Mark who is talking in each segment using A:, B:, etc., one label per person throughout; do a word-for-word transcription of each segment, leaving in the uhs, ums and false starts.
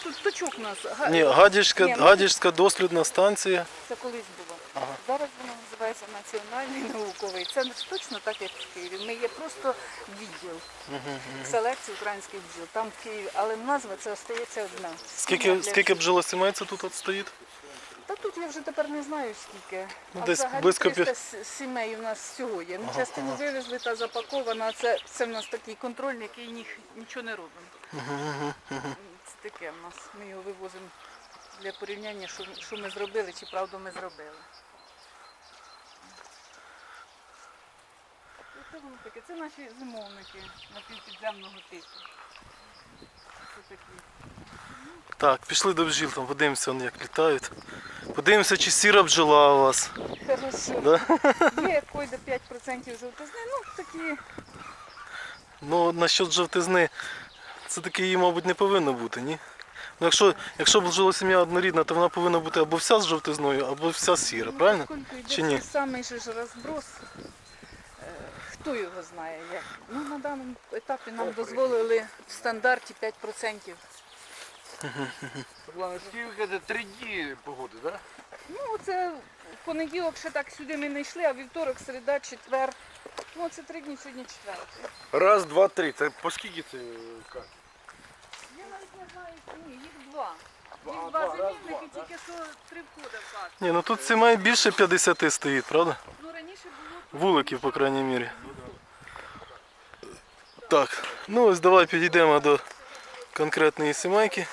A: Тут точок у нас. Га-
B: Ні, Гадяжська,
A: Ні, ну,
B: Гадяжська дослідна станція.
A: Це колись було.
B: Ага.
A: Зараз воно називається Національний науковий. Це не точно так, як в Києві. Ми є просто відділ селекції українських бджіл. Там в Києві, але назва це остається одна.
B: Скільки,
A: Для-
B: скільки бджолосімей це тут от стоїть?
A: Та тут я вже тепер не знаю скільки.
B: Ну,
A: а
B: десь
A: взагалі
B: близько пі-
A: триста с- сімей у нас всього є. Ну,
B: Ага,
A: частину
B: ага.
A: вивезли та запакована. а Це, це в нас такий контрольний, який ні- нічого не робимо. Це таке в нас. Ми його вивозимо для порівняння, що, що ми зробили, чи правду ми зробили. Це воно таке. Це наші зимовники напівпідземного типу. Це такі.
B: Так, пішли до бджіл, там подивимося, вони як літають. Подивимося, чи сіра бджола у вас.
A: Хорошо.
B: Да?
A: Є койде п'ять відсотків жовтизни, ну такі.
B: Ну, насчет жовтизни, це таки її, мабуть, не повинно бути, ні? Ну, якщо, якщо бджолосім'я однорідна, то вона повинна бути або вся з жовтизною, або вся сіра, правильно?
A: Поскольку йде
B: Чи ні?
A: цей самий же ж розброс, е, хто його знає як. Ну, на даному етапі нам дозволили в стандарті п'ять відсотків.
C: Главное, скільки це три дні погоди, так?
A: Ну, це в понеділок ще так сюди ми не йшли, а вівторок, середа, четвер. Ну, це три дні, сьогодні четвертий.
C: Раз, два, три. Це по скільки це карт?
A: Я навіть не знаю, ні, їх два.
C: Два,
A: Їх
C: а,
A: два
C: два, раз,
A: замінники,
C: два,
A: тільки що три входи в хату.
B: Ні, ну тут сімей більше п'ятдесят стоїть, правда?
A: Ну, раніше було...
B: Вуликів, по крайній мірі. Так, ну ось давай підійдемо до конкретної сімейки.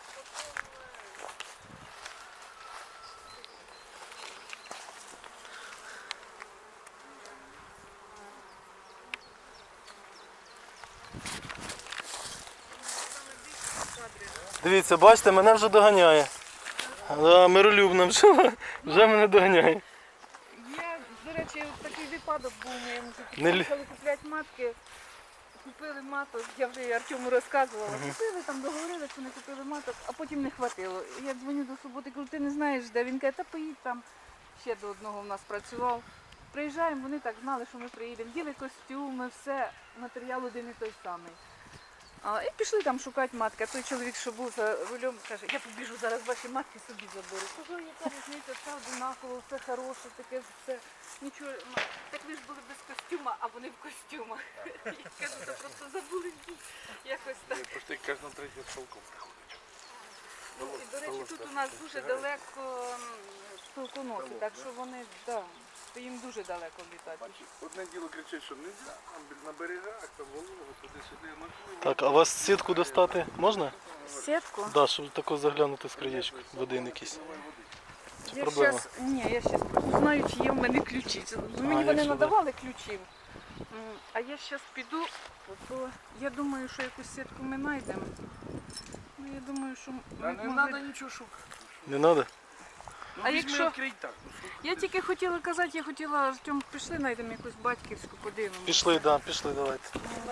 B: Дивіться, бачите, мене вже доганяє. Да, миролюбна бджола вже мене доганяє.
A: Я, до речі, такий випадок був у моєму житті.
B: Не лі-
A: Почали купляти матки, купили маток, я вже і Артему розказувала. Купили, там договорилися, що не купили маток, а потім не хватило. Я дзвоню до суботи, кажу, ти не знаєш, де він каже, та поїдь там. Ще до одного в нас працював. Приїжджаємо, вони так знали, що ми приїдемо. Діли костюми, все, матеріал один і той самий. А, і пішли там шукати матки. А той чоловік, що був за рулем, каже, я побіжу зараз ваші матки собі заберу. Кажу, яка різниця, все одинаково, все хороше, таке все. Нічого, ну, так ви ж були без костюма, а вони в костюмах. Я кажу, це просто забули якось так.
C: Просто кожна третя з полком приходить.
A: Ну, і, до речі, тут у нас дуже далеко м, толконоси, так що вони, да, то їм дуже далеко літати.
C: Бачиш, одне діло кричить, що не можна, на берегах, там волого, туди-сюди. Ну,
B: Так, а вас сітку достати можна?
A: Сітку?
B: Так, да, щоб тако заглянути з краєчку, один якийсь. Це
A: Я
B: проблема.
A: щас, ні, я зараз узнаю, чи є в мене ключі. Це- Мені
B: А,
A: вони
B: якщо
A: надавали ключі. М, А я зараз піду, то я думаю, що якусь сітку ми знайдемо. Ну, я думаю, що ми
C: Та не
A: могли-
C: треба нічого шукати.
B: Не треба?
C: Ну,
A: А
C: візьми,
A: якщо-
C: відкрий так. Ну, що
A: Я тільки хотіла казати, я хотіла, Артем, пішли, знайдемо якусь батьківську, подивимося.
B: Пішли, так, да, пішли, давайте.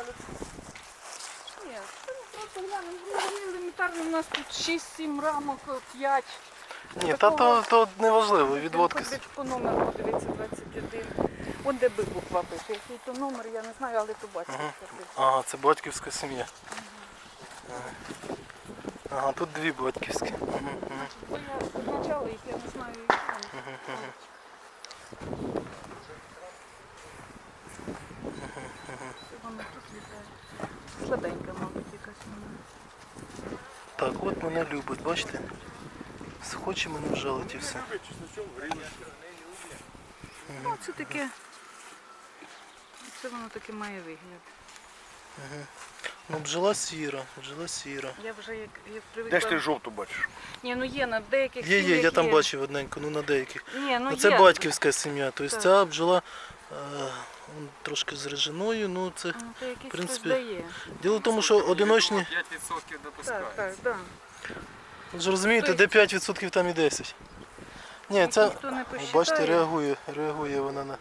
A: Ні, це ми просто глянемо. Ну, вони елементарно, у нас тут шість-сім рамок, п'ять.
B: Ні, та то, то не важливо, відводки.
A: Хоч по номеру, дивіться, двадцять один. От де би буква пише. Який то номер, я не знаю, але то бачите.
B: Ага, це батьківська сім'я. Ага. Ага, тут дві батьківські. Мгм, мгм.
A: Бо я позначала їх, я не знаю, які вони. Це воно тут літає. Слабенька, мабуть, якась вона.
B: Так, от мене любить, бачите? Хоче мене вжалити і все.
A: Ну, це таке. Це воно таке має вигляд.
B: Ну, бджола сіра, бджола сіра.
A: Я вже як, як
C: Де
A: привикла.
C: ж ти жовту бачиш?
A: Ні, ну є на деяких
B: Є, є,
A: сім'ях
B: я там
A: є.
B: бачив одненьку, ну на деяких.
A: Ні, ну
B: Ну, це
A: є.
B: батьківська сім'я, тобто
A: Так.
B: ця бджола е, он трошки з режиною, ну це...
A: Ну, це якийсь
B: в принципі,
A: хтось дає.
B: Діло в тому, що одиночні,
D: п'ять відсотків
A: Так,
D: допускається.
A: так, так.
B: ви ж розумієте,
A: Тобто-
B: де п'ять відсотків, там і десять. Ні, це,
A: Ніхто не посчитає.
B: бачите, реагує, реагує вона на...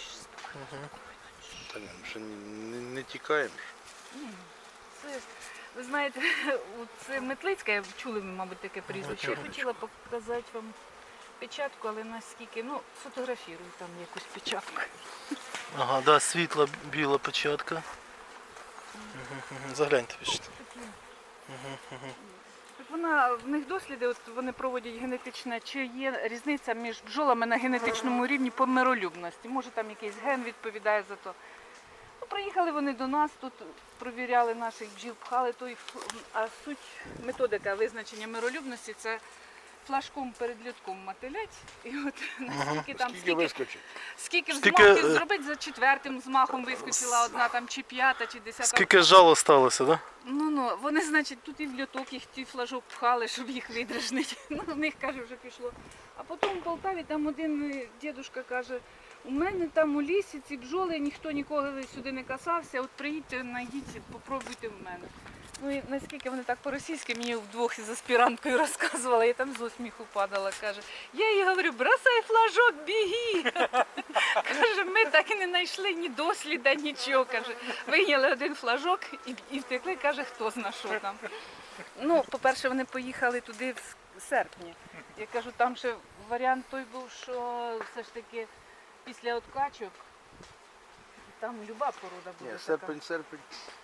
C: Та ні, ми ще не, не тікаємо.
A: Це, ви знаєте, це Метлицька, чули, мабуть, таке прізвище. Я хотіла показати вам печатку, але наскільки, ну, фотографірую там якусь печатку.
B: Ага, да, світла біла печатка. Угу, угу. Загляньте, пишіть.
A: Такі. вона, в них досліди, от вони проводять генетичне, чи є різниця між бджолами на генетичному рівні по миролюбності. Може там якийсь ген відповідає за то. Ну, приїхали вони до нас, тут провіряли наших бджіл, пхали той, ф- а суть методика визначення миролюбності це флажком перед льотком мотилять. І от наскільки там,
C: Скільки
A: скільки,
C: вискочить?
A: скільки
B: Скільки,
A: взмахів
B: е,
A: зробити, за четвертим змахом вискочила одна там, чи п'ята, чи десята.
B: Скільки жало сталося, так? Да?
A: Ну, ну, вони, значить, тут і в льоток їх ті флажок пхали, щоб їх видражнити. Ну, в них, каже, вже пішло. А потім в Полтаві там один е, дідушка каже, у мене там у лісі ці бджоли, ніхто ніколи сюди не касався, от приїдьте, знайдіть, попробуйте в мене. Ну і наскільки вони так по-російськи мені вдвох із аспіранткою розказували, я там з усміху падала, каже, я їй говорю, бросай флажок, біги. Каже, ми так і не знайшли ні досліда, нічого. Каже, вийняли один флажок і, і втекли, каже, хто зна що там. Ну, по-перше, вони поїхали туди в серпні. Я кажу, там ще варіант той був, що все ж таки після откачок там люба порода буде
C: Ні,
A: така.
C: серпень, серпень.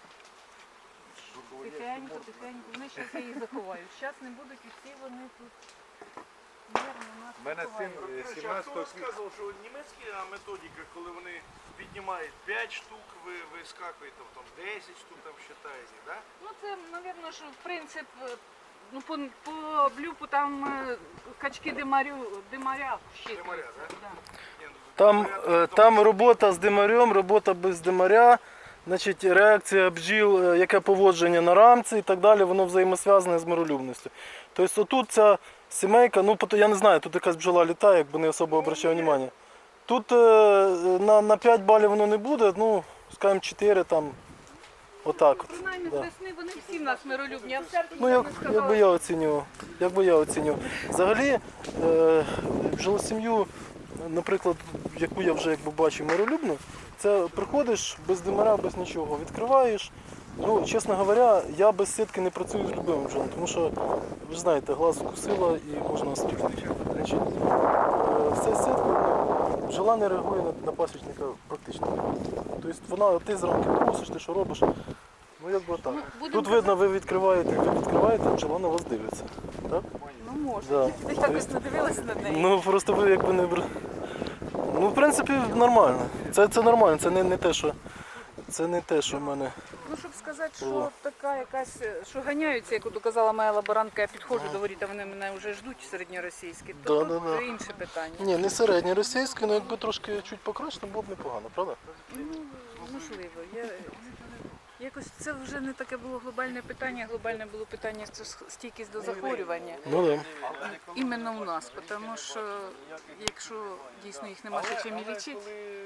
A: Тихенько, тихенько. Вони ще їх заховають. Зараз не будуть і всі вони тут мирно нас
C: У мене син
A: заховають.
C: е,
D: Хто
C: сімнадцятого квітня.
D: розказував, що німецька методика, коли вони піднімають п'ять штук, ви вискакуєте, там десять штук там вважаєте, да?
A: Ну це, мабуть, що принцип, е, ну по, по блюпу там е, качки димарю, димаря щитуються.
D: Димаря, да?
A: Да.
D: Ні, ну,
B: Там,
D: порядок
B: е,
D: в тому,
B: там
D: що-
B: робота з димарем, робота без димаря, значить, реакція бджіл, е, яке поводження на рамці і так далі, воно взаємосв'язане з миролюбністю. Тобто отут ця сімейка, ну пото- я не знаю, тут якась бджола літає, якби не особо обращав увагу. Тут е, на, на п'ять балів воно не буде, ну, скажімо, чотири там, отак от.
A: Принаймні з
B: Да.
A: весни вони всі в нас миролюбні, а в серпні
B: Ну,
A: я
B: як,
A: не
B: як би
A: сказала.
B: я оцінював. Як би я оцінював. Взагалі, е, бджолосім'ю, наприклад, яку я вже якби бачив миролюбну, це приходиш без димаря, без нічого, відкриваєш. Ну, чесно говоря, я без сітки не працюю з любими бджолами, тому що, ви ж знаєте, глаз укусила і можна осліпнути. Значить, е, все сіткою, ну, бджола не реагує на, на пасічника практично. Тобто вона, ти зранку просиш, ти що робиш. Ну, якби так.
A: Ну, будемо
B: Тут видно, ви відкриваєте, ви відкриваєте, бджола на вас дивиться. Так?
A: Ну може.
B: Да.
A: Я якось не дивилася на неї.
B: Ну просто ви якби не бр- Ну, в принципі, нормально. Це, це нормально, це не, не те, що. Це не те, що в мене.
A: Ну, щоб сказати, що
B: О.
A: така якась, що ганяються, як от казала моя лаборантка, я підходжу до воріт, а вони мене вже ждуть середньоросійські, то
B: Да,
A: тут
B: да, да.
A: інше питання.
B: Ні, не середній російський, але якби трошки чуть покраще, було б непогано, правда?
A: Ну, можливо. Я... Якось це вже не таке було глобальне питання, глобальне було питання це стійкість до захворювання.
B: Ну так.
A: Іменно у нас, тому що якщо дійсно їх нема ще чим і лічити,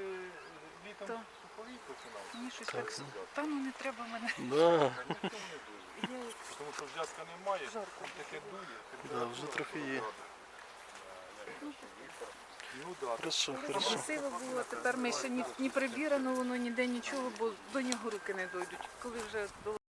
A: то мені щось так, та ну не треба мене.
B: Да.
A: Я
D: Тому що взятка немає,
A: жарко.
D: таке дує.
B: Да, вже трохи є.
D: Ну да.
B: Хорошо,
A: Дуже
B: хорошо.
A: красиво було, тепер ми ще ні, ні прибірано воно, ніде нічого, бо до нього руки не дойдуть. Коли вже до